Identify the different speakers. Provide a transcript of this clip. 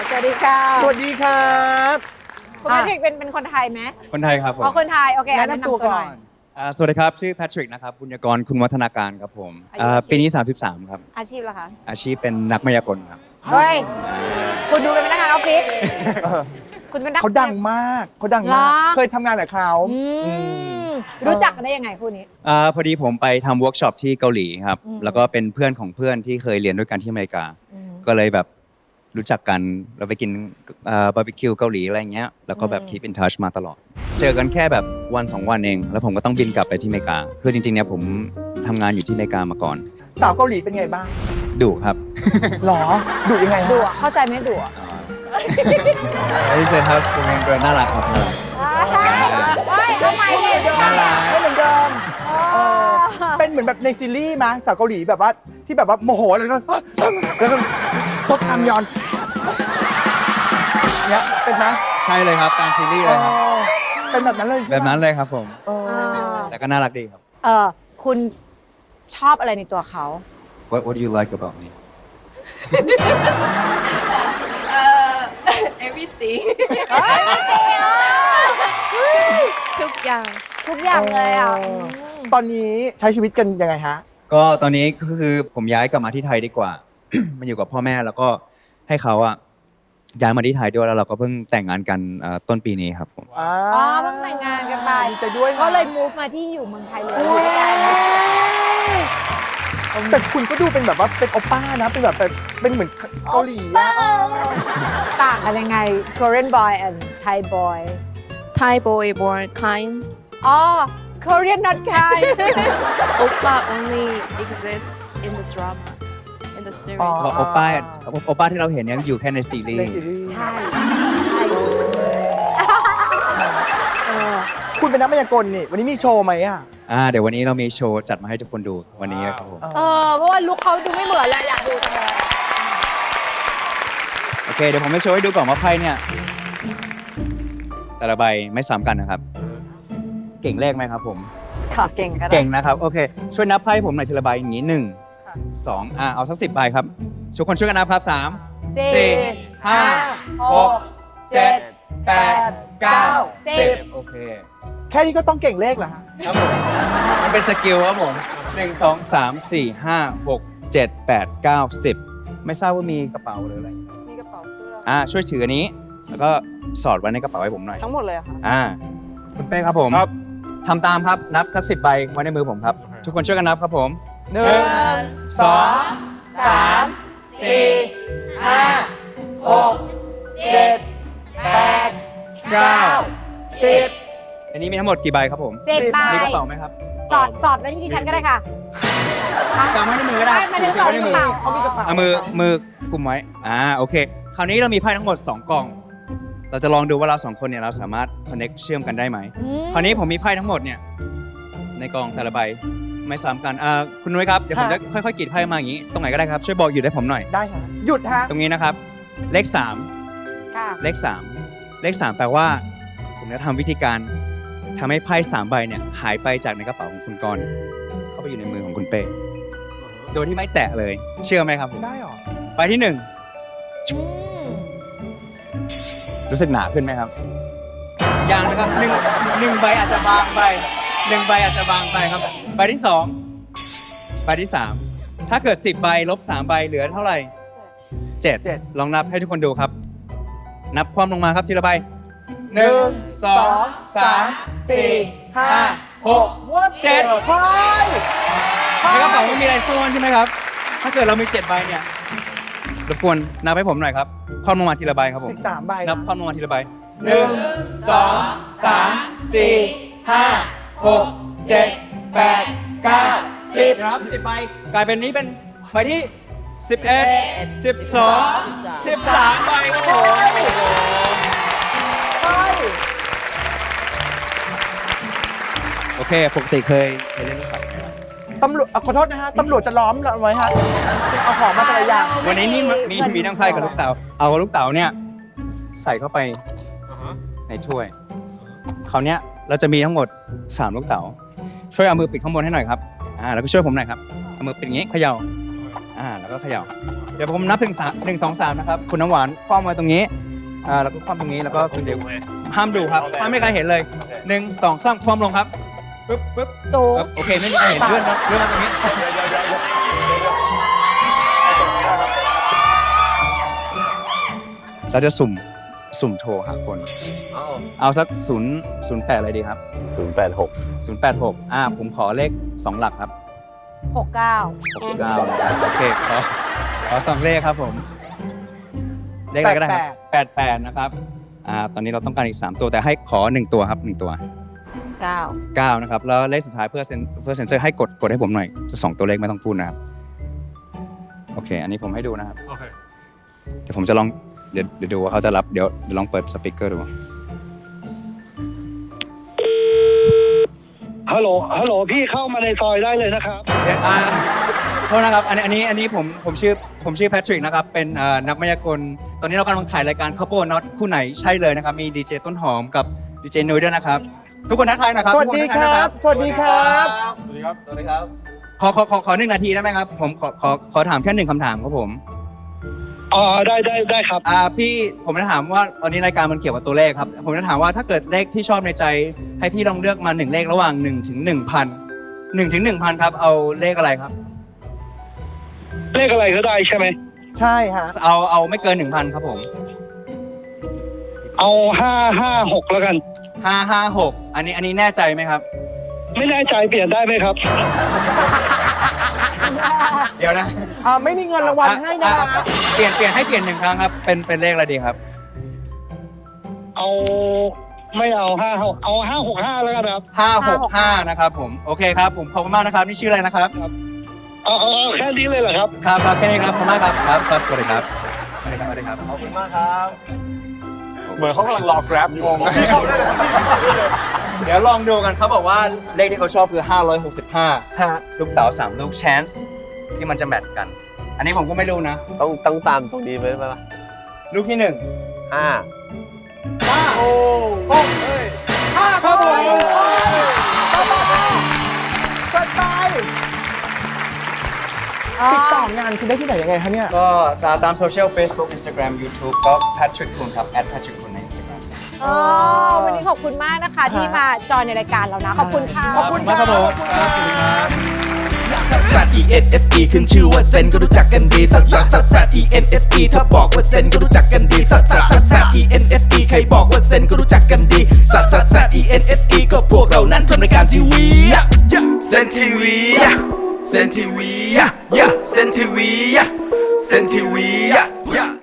Speaker 1: สวัสดีค่ะ
Speaker 2: สวัสดีครับ
Speaker 1: คุณแพทริกเป็นคนไทยไหม
Speaker 3: คนไทยครับผม
Speaker 1: อ๋อคนไทยโอเค
Speaker 2: แนะนำตัวก่อน
Speaker 3: สวัสดีครับชื่อแพทริกนะครับบุญยกรคุณวัฒนาการครับผม
Speaker 1: อายุอาชีพ
Speaker 3: ปีนี้ 33 ครับ
Speaker 1: อาชีพเหรอคะ
Speaker 3: อาชีพเป็นนักมายากลครับ
Speaker 1: เฮ้ยคุณดูเป็นพนักงานออฟฟิศคุณเป็นนัก
Speaker 2: เขาดังมากเขาดังมาก
Speaker 1: เหรอ
Speaker 2: เคยทำงานกับเขา
Speaker 1: อื
Speaker 2: อืม
Speaker 1: มรู้จักกันได้ยังไงคู่นี้
Speaker 3: พอดีผมไปทำเวิร์กช็อปที่เกาหลีครับ
Speaker 1: อืม
Speaker 3: แล้วก็เป็นเพื่อนของเพื่อนที่เคยเรียนด้วยกันที่อเมริกา
Speaker 1: อืม
Speaker 3: ก็เลยแบบรู้จักกันเราไปกินบาร์บีคิวเกาหลีอะไรเงี้ยแล้วก็แบบ keep in touch มาตลอด เจอกันแค่แบบวัน2 วันเอง แล้วผมก็ต้องบินกลับไปที่อเมริกาคือจริงๆเนี่ยผมทำงานอยู่ที่อเมริกามาก่อน
Speaker 2: สาวเกาหลีเป็นไงบ้าง
Speaker 3: ดุครับ
Speaker 2: หรอดุยังไงฮะ
Speaker 1: ดูอะเข้าใจไหมดูอะ
Speaker 3: ที่เซนต์เฮาส์เป็นตัวน่ารักครับน่ารัก
Speaker 1: ไม่เอาใหม่ดิ
Speaker 3: น่ารัก
Speaker 2: ไม่เหมือนเดิมเป็นเหมือนแบบในซีรีส์มั้งสาวเกาหลีแบบว่าที่แบบว่าโมโหแล้วก็ซดอัมยอนเนี่ยเป็นไหม
Speaker 3: ใช่เลยครับตามซีรีส์เลยครับ
Speaker 2: เป็นแบบนั้นเลยใช่ไหม
Speaker 3: แบบนั้นเลยครับผม
Speaker 2: เออ
Speaker 3: แต่ก็น่ารักดีครับ
Speaker 1: คุณชอบอะไรในตัวเขา
Speaker 3: What do you like about me
Speaker 4: everything ทุกอย่าง
Speaker 1: ทุกอย่างเลยอ่ะ
Speaker 2: ตอนนี้ใช้ชีวิตกันยังไงฮะ
Speaker 3: ก็ตอนนี้ก็คือผมย้ายกลับมาที่ไทยดีกว่า มาอยู่กับพ่อแม่แล้วก็ให้เขาอะย้ายมาที่ไทยด้วยแล้วเราก็เพิ่งแต่งงานกันต้นปีนี้ครับผม
Speaker 1: อ๋อเพิ่งแต่งงานกันไป
Speaker 2: ดีใจด้วยนะ
Speaker 1: ก็เลย move มาที่อยู่เมืองไทยเลย
Speaker 2: แต่คุณก็ดูเป็นแบบว่าเป็นโอป้านะ เป็นแบบเป็นเหมือนเกาหลีอะ
Speaker 1: ต่างกันยังไง Korean boy and Thai boy
Speaker 4: Thai boy born kind
Speaker 1: อ๋อ Korean not kind
Speaker 4: Oppa only exists in the drama in the series
Speaker 3: บอกโอป้าที่เราเห็นเนี่ยอยู่แค่ในซีรี
Speaker 2: ใน
Speaker 3: ส์
Speaker 2: ซีรีส์
Speaker 1: ใช่ใช่เออ
Speaker 2: คุณเป็นนักมายากลนี่ วันนี้มีโชว์ไหมอ่ะ
Speaker 3: เดี๋ยววันนี้เรามีโชว์จัดมาให้ทุกคนดูวันนี้ครับผม
Speaker 1: เพราะว่าลุคเขาดูไม่เหมือนเลยอยากดูจังเลย
Speaker 3: โอเคเดี๋ยวผมจะโชว์ให้ดูก่อนว่าไพ่เนี่ยแต่ละใบไม่ซ้ำกันนะครับ เก่งเลขไหมครับผม
Speaker 1: ค่ะเก่งก็ได้
Speaker 3: เก่งนะครับโอเคช่วยนับไพ่ผมหน่อยทีละใบอย่างนี้1 2เอาสัก10 ใบครับทุกคนช่วยกันนับครับ3 4 5 6 7 8 9 10โอเค
Speaker 2: แค่นี้ก็ต้องเก่งเลขเหรอฮะ
Speaker 3: ครับผมมันเป็นสกิลครับผม1 2 3 4 5 6 7 8 9 10ไม่ทราบว่ามีกระเป๋าหรืออะไร
Speaker 1: มีกระเป๋าเสื้อ
Speaker 3: ช่วยถืออันนี้แล้วก็สอดไว้ในกระเป๋าให้ผมหน่อย
Speaker 1: ทั้งหมดเลยเหรอค่ะ
Speaker 3: คุณเป้ครับผมทำตามครับนับสัก10 ใบไว้ในมือผมครับทุกคนช่วยกันนับครับผม1 2 3 4 5 6 7 8 9 10อันนี้มีทั้งหมดกี่ใบครับผม
Speaker 1: 10 ใบ
Speaker 3: มีกระเป๋าไหมครับ
Speaker 1: สอดไว้ที่ฉันก็ได้ค่ะ
Speaker 3: กำไว้ในมือก็ได้
Speaker 1: ไม่ได้สอด
Speaker 3: ไว้
Speaker 1: ใน
Speaker 3: ใน
Speaker 1: ก
Speaker 3: มื
Speaker 1: ระ
Speaker 3: อ
Speaker 1: เป๋า
Speaker 2: เขามีกระเป๋า
Speaker 3: เอามือกุมไว้โอเค คราวนี้เรามีไพ่ทั้งหมด2 กล่อง เราจะลองดูว่าเรา2 คนเนี่ยเราสามารถ connect เชื่อมกันได้ไหม คราวนี้ผมมีไพ่ทั้งหมดเนี่ยในกล่องแต่ละใบไม่ซ้ำกันคุณนุ้ยครับเดี๋ยวผมจะค่อยๆกรีดไพ่มาอย่างนี้ตรงไหนก็ได้ครับช่วยบอกหยุดให้ผมหน่อย
Speaker 2: ได้ฮะหยุดฮะ
Speaker 3: ตรงนี้นะครับเลข
Speaker 1: ค่ะ
Speaker 3: 3เลข 3 แปลว่า ผมจะทำวิธีการทำให้ไพ่3 ใบเนี่ยหายไปจากในกระเป๋าของคุณกรณ์เข้าไปอยู่ในมือของคุณเป้โดยที่ไม่แตะเลย เชื่อไหมครับผม
Speaker 2: ได้หรอ
Speaker 3: ใบที่
Speaker 1: อืม
Speaker 3: 1 รู้สึกหนาขึ้นไหมครับยังนะครับหนึ่งใบอาจจะบางไป1 ใบอาจจะบางไปครับใบที่ 2 ใบที่ 3 ถ้าเกิด10 ใบลบ3 ใบเหลือเท่าไหร่7ลองนับให้ทุกคนดูครับ นับความลงมาครับทีละใบ1 2 3 4 5 6 7
Speaker 2: เฮ้ย
Speaker 3: ในกระเป๋าไม่มีอะไรซ่อนใช่ไหมครับ ถ้าเกิดเรามี7 ใบเนี่ยรบกวนนับให้ผมหน่อยครับความลงมาทีละใบครับผม
Speaker 2: 13 ใบ
Speaker 3: นับความลงมาทีละใบ1 2 3 4 5 6 7 8 9 10นะครับ10 ใบกลายเป็นนี้เป็นใบที่11 12 13 ใบครับผมโอเคปกติเคยเล่นลูกเต๋าไหมครับ
Speaker 2: ตำรวจขอโทษนะฮะ ตำรวจจะล้อมเราไว้ฮะ เอาของมาแต่ละอย่าง
Speaker 3: วันนี้นี่มีทั้งไพ่กับลูกเต๋าเอาลูกเต๋าเนี่ยใส่เข้าไปในถ้วยคราวเนี้ยเราจะมีทั้งหมด3 ลูกเต๋าช่วยเอามือปิดข้างบนให้หน่อยครับแล้วก็ช่วยผมหน่อยครับเอามือปิดอย่างงี้เขย่าแล้วก็เขย่าเดี๋ยวผมนับถึง1 2 3นะครับคุณน้ำหวานคว่ำไว้ตรงนี้แล้วก็คว่ำตรงนี้แล้วก็คุณเดียวห้ามดูครับห้ามไม่มีใครเห็นเลย1 2 3คว่ำลงครับปึ๊บ
Speaker 1: สูง
Speaker 3: โอเคไม่มีใครเห็นเลื่อนครับเลื่อนมาตรงนี้เราจะสุ่มโทรหาคนเอาสัก008อะไรดีครับ
Speaker 5: 086
Speaker 3: 086ผมขอเลข2 หลักครับ
Speaker 1: 69
Speaker 3: 69โอเคขอ2 เลขครับผมเลขอะไรก็ได้ครับ88นะครับตอนนี้เราต้องการอีก3 ตัวแต่ให้ขอ1 ตัวครับ1 ตัว 9นะครับแล้วเลขสุดท้ายเพื่อเซ็นเซอร์ให้กดให้ผมหน่อยจะ2 ตัวเลขไม่ต้องพูดนะครับโอเคอันนี้ผมให้ดูนะครับเดี๋ยวผมจะลองเดี๋ยวดูว่าเขาจะรับเดี๋ยวลองเปิดสปีกเกอร์ดู
Speaker 6: ฮัลโหลพี่เข้ามาในซอยได้เลยนะครับ
Speaker 3: โทษนะครับอันนี้ผมชื่อแพทริกนะครับเป็นนักมายากลตอนนี้เรากำลังถ่ายรายการ Couple Not คู่ไหนใช่เลยนะครับมีดีเจต้นหอมกับดีเจนุ้ยด้วยนะครับทุกคนทักทายนะครับ
Speaker 2: สวัสดีครับ สวัสดีครับ
Speaker 3: สวัสดีครับขอ1 นาทีได้ไหมครับผมขอถามแค่1 คำถามครับผม
Speaker 6: อ๋อได้ครับ
Speaker 3: พี่ผมจะถามว่าตอนนี้รายการมันเกี่ยวกับตัวเลขครับผมจะถามว่าถ้าเกิดเลขที่ชอบในใจให้พี่ลองเลือกมา1 เลขระหว่าง1 ถึง 1,000 1 ถึง 1,000ครับเอาเลขอะไรครับ
Speaker 6: เลขอะไรก็ได้ใช่ไหม
Speaker 2: ใช่ฮะ
Speaker 3: เอาไม่เกิน 1,000ครับผม
Speaker 6: เอา556แล้วกัน
Speaker 3: 556อันนี้แน่ใจไหมครับ
Speaker 6: ไม่แน่ใจเปลี่ยนได้ไหมครับ
Speaker 3: เดี๋ยวนะ
Speaker 2: ไม่มีเงินรางวัลให้นะ
Speaker 3: เปลี่ยนให้เปลี่ยน1 ครั้งครับเป็นเลขอะไรดีครับ
Speaker 6: เอาไม่เอา56เอา565แล้วกันครับ
Speaker 3: 565นะครับผมโอเคครับผมขอบคุณมากนะครับนี่ชื่ออะไรนะครับ
Speaker 6: เอาแค่นี้เลยเหรอครับ
Speaker 3: ครับแค่นี้ครับขอบคุณมากครับสวัสดีครับสวัสดีครับขอบคุณมากครับ
Speaker 5: เหมือนเขากำลังรอ Grab งง
Speaker 3: เดี๋ยวลองดูกันเขาบอกว่าเลขที่เขาชอบคือ565ลูกเต๋า3 ลูก chance ที่มันจะแมทช์กัน อันนี้ผมก็ไม่รู้นะ
Speaker 5: ต้องตามตรงนี้ไหมล่ะ
Speaker 3: ลูกที่1
Speaker 5: 5
Speaker 2: โอ้โห5ครับผมสบายติดต่องานคุณได้ที่ไหนยังไงคะเนี่ย
Speaker 3: ก็ตามโซเชียล Facebook Instagram YouTube ก็ Patrick คุณครับ @Patrick คุณใน Instagram
Speaker 1: อ๋อวันนี้ขอบคุณมากนะคะที่มาจอยในรายการเรานะ ขอบคุณค่ะ
Speaker 3: ขอบคุณมากครับผมครับสวัสดีครับ
Speaker 7: ซัส E N S E ขึ้นชื่อว่าเซนก็รู้จักกันดีซัส E N S E ถ้าบอกว่าเซนก็รู้จักกันดีซัส E N S E ใครบอกว่าเซนก็รู้จักกันดีซัส E N S E ก็พวกเรานั้นทำรายการทีวีเซนทีวีเซนทีวีเซนทีวี